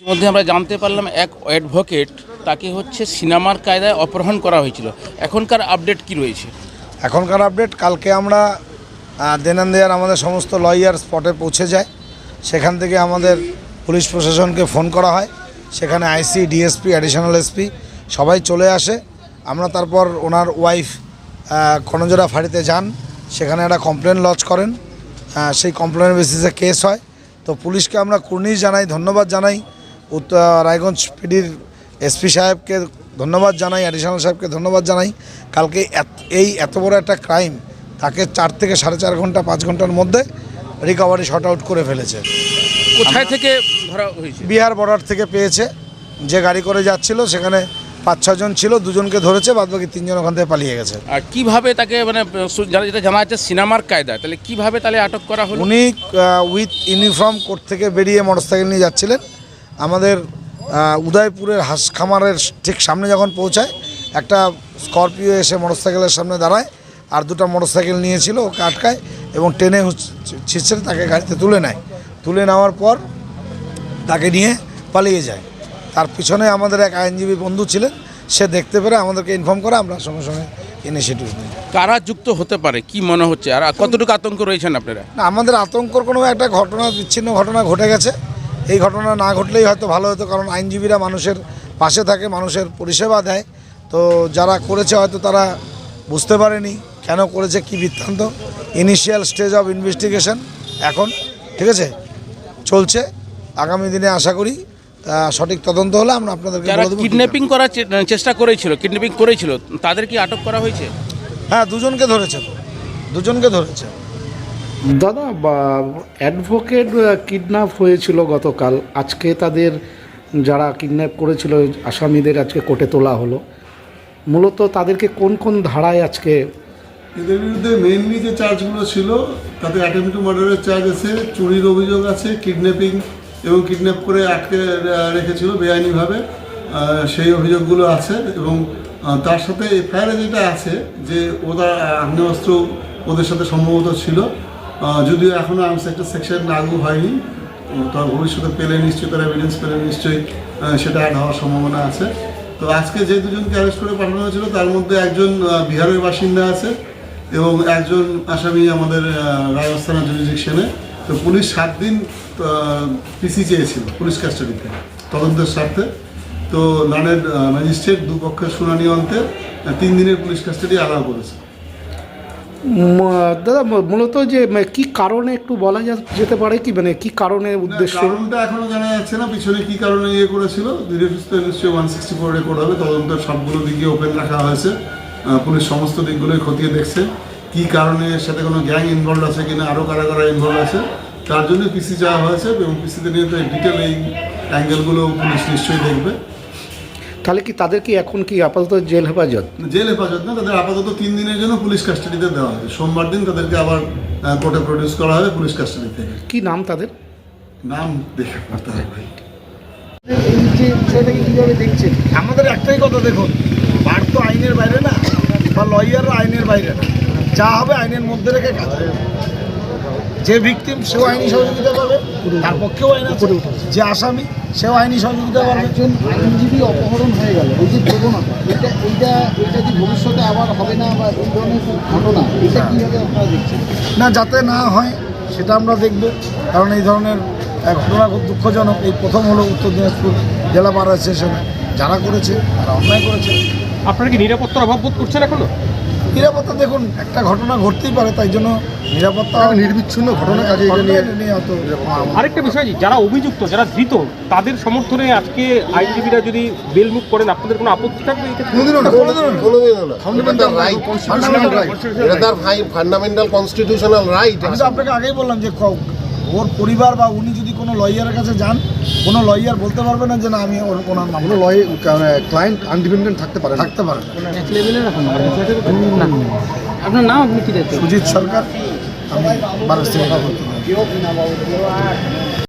মধ্যে আমরা জানতে পারলাম এক অ্যাডভোকেট তাকে হচ্ছে সিনেমার কায়দায় অপহরণ করা হয়েছিল। এখনকার আপডেট কি রয়েছে? এখনকার আপডেট, কালকে আমরা দেনান্দিয়ার আমাদের সমস্ত লয়ার স্পটে পৌঁছে যায়। সেখান থেকে আমাদের পুলিশ প্রশাসনকে ফোন করা হয়, সেখানে আইসি, ডিএসপি, অ্যাডিশনাল এসপি সবাই চলে আসে। আমরা তারপর ওনার ওয়াইফ কনজোড়া ফাঁড়িতে যান, সেখানে একটা কমপ্লেন লজ করেন। সেই কমপ্লেনের বেসিসে কেস হয়। তো পুলিশকে আমরা কুর্নিশ জানাই, ধন্যবাদ জানাই। রায়গঞ্জ পিডির এসপি সাহেবকে ধন্যবাদ জানাই, অ্যাডিশনাল সাহেবকে ধন্যবাদ জানাই। কালকে এত বড় একটা ক্রাইম তাকে 4 থেকে 4.5 ঘন্টা 5 ঘন্টার মধ্যে রিকভারি শর্ট আউট করে ফেলেছে। কোথায় থেকে ধরা হয়েছে? বিহার বর্ডার থেকে পেয়েছে। যে গাড়ি করে যাচ্ছিল সেখানে 5-6 জন ছিল, 2জনকে ধরেছে, বাদবাকি 3 জন ওখান থেকে পালিয়ে গেছে। আর কিভাবে তাকে যেটা জানা যাচ্ছে সিনেমার কায়দা, তাহলে কিভাবে তাহলে আটক করা হলো? উনি উইথ ইউনিফর্ম কোর্ট থেকে বেরিয়ে মোটরসাইকেল নিয়ে যাচ্ছিলেন। আমাদের উদয়পুরের হাঁস খামারের ঠিক সামনে যখন পৌঁছায়, একটা স্করপিও এসে মোটরসাইকেলের সামনে দাঁড়ায়, আর 2টা মোটরসাইকেল নিয়েছিল, ওকে আটকায় এবং টেনে ছিঁচড়ে তাকে গাড়িতে তুলে নেয়। তুলে নেওয়ার পর তাকে নিয়ে পালিয়ে যায়। তার পিছনে আমাদের এক আইনজীবী বন্ধু ছিলেন, সে দেখতে পেরে আমাদেরকে ইনফর্ম করে, আমরা সঙ্গে সঙ্গে ইনিশিয়েটিভ নিই। কারা যুক্ত হতে পারে কি মনে হচ্ছে, আর কতটুকু আতঙ্ক রয়েছেন আপনারা? না, আমাদের আতঙ্কর কোনো একটা ঘটনা, বিচ্ছিন্ন ঘটনা ঘটে গেছে। এই ঘটনা না ঘটলেই হয়তো ভালো হতো, কারণ আইনজীবীরা মানুষের পাশে থাকে, মানুষের পরিষেবা দেয়। তো যারা করেছে হয়তো তারা বুঝতে পারেনি কেন করেছে, কি বৃত্তান্ত। ইনিশিয়াল স্টেজ অফ ইনভেস্টিগেশন এখন, ঠিক আছে, চলছে। আগামী দিনে আশা করি সঠিক তদন্ত হলে আমরা আপনাদেরকে যারা বলে দেব। কিডন্যাপিং করার চেষ্টা করেছিল তাদের কি আটক করা হয়েছে? হ্যাঁ, 2জনকে ধরেছে, 2জনকে ধরেছে। দাদা, অ্যাডভোকেট কিডন্যাপ হয়েছিল গতকাল। আজকে তাদের যারা কিডন্যাপ করেছিল আসামিদের আজকে কোর্টে তোলা হলো। মূলত তাদেরকে কোন কোন ধারায় আজকে? এদের বিরুদ্ধে মেইনলি যে চার্জগুলো ছিল তাতে অ্যাটেম্প টু মার্ডারের চার্জ আছে, চুরির অভিযোগ আছে, কিডন্যাপিং এবং কিডন্যাপ করে আটকে রেখেছিল বেআইনিভাবে, সেই অভিযোগগুলো আছে। এবং তার সাথে এফআইআরে যেটা আছে যে ওরা আগ্নেয়াস্ত্র ওদের সাথে সম্ভবত ছিল, যদিও এখনও আর্মস একটা সেকশন লাগু হয়নি। তার ভবিষ্যতে পেলে নিশ্চয়ই, তারা এভিডেন্স পেলে নিশ্চয়ই সেটা অ্যাড হওয়ার সম্ভাবনা আছে। তো আজকে যে 2জনকে অ্যারেস্ট করে পাঠানো হয়েছিল তার মধ্যে একজন বিহারের বাসিন্দা আছে এবং একজন আসামি আমাদের রাজস্থান জুরিডিকশনে। তো পুলিশ 7 দিন পিসি চেয়েছিল পুলিশ কাস্টাডিতে তদন্তের স্বার্থে। তো লানের ম্যাজিস্ট্রেট দুপক্ষের শুনানি অন্তে 3 দিনের পুলিশ কাস্টাডি অ্যালাউ করেছে। দাদা, মূলত যে কি কারণে একটু বলা যেতে পারে কি, মানে কি কারণে উদ্দেশ্য? কারণটা এখনো জানা যাচ্ছে না, পিছনে কি কারণে করেছিল। ধীরে সুস্থ নিশ্চয়ই 164 রেকর্ড হবে। তদন্তের সবগুলো দিকে ওপেন রাখা হয়েছে, পুলিশ সমস্ত দিকগুলোই খতিয়ে দেখছে কি কারণে, এর সাথে কোনো গ্যাং ইনভলভ আছে কিনা, আরও কারা কারা ইনভলভ আছে, তার জন্য পিসি চাওয়া হয়েছে। এবং পিসিতে নিয়ে তো ডিটেল এই অ্যাঙ্গেলগুলো পুলিশ নিশ্চয়ই দেখবে। তাহলে কি তাদের কি এখন কি আপাতত জেল হেফাজত? জেল হেফাজত না, তাদের আপাতত 3 দিনের জন্য পুলিশ কাস্টাডিতে দেওয়া হবে। সোমবার দিন তাদেরকে আবার কোর্টে প্রডিউস করা হবে পুলিশ কাস্টাডি থেকে। কি নাম তাদের? নাম দেখে করতে হবে ভাই। কীভাবে দেখছেন? আমাদের একটাই কথা, দেখুন, বার তো আইনের বাইরে না, বা লয়াররা আইনের বাইরে না। যা হবে আইনের মধ্যে রেখে কাজ হবে। যে ভিকটিম সেও আইনি সহযোগিতা পাবে, তার পক্ষেও আইন আছে। যে আসামি সেও আইনি সহযোগিতা পাবে। একজন আইনজীবী অপহরণ হয়ে গেল, এই যে প্রবণতা, এটা কি ভবিষ্যতে আবার হবে না, বা এই ধরনের ঘটনা এটা কীভাবে আপনারা দেখছেন? না, যাতে না হয় সেটা আমরা দেখব, কারণ এই ধরনের ঘটনা খুব দুঃখজনক। এই প্রথম হলো উত্তর দিনাজপুর জেলা বার অ্যাসোসিয়েশনে যারা করেছে তারা অন্যায় করেছে। আপনারা কি নিরাপত্তার অভাব বোধ করছেন এখনো? নিরাপত্তা, দেখুন, একটা ঘটনা ঘটতেই পারে, তাই জন্য নিরাপত্তা নির্বিচ্ছিন্ন ঘটনা কাজে নিয়ে অত। আরেকটা বিষয়, যারা অভিযুক্ত, যারা ধৃত, তাদের সমর্থনে আজকে আইনজীবীরা যদি বেল মুভ করেন, আপনাদের কোনো আপত্তি থাকবে? Fundamental constitutional right. আমি তো আপনাকে আগেই বললাম যে ওর পরিবার বা উনি যদি কোনো লয়ারের কাছে যান, কোনো লয়ার বলতে পারবে না যে না আমি ওনার নাম। ক্লায়েন্ট আনডিপেন্ডেন্ট থাকতে পারে। আপনার নাম, আপনি কি দেখছেন? সুজিত সরকার, আমি 12 থেকে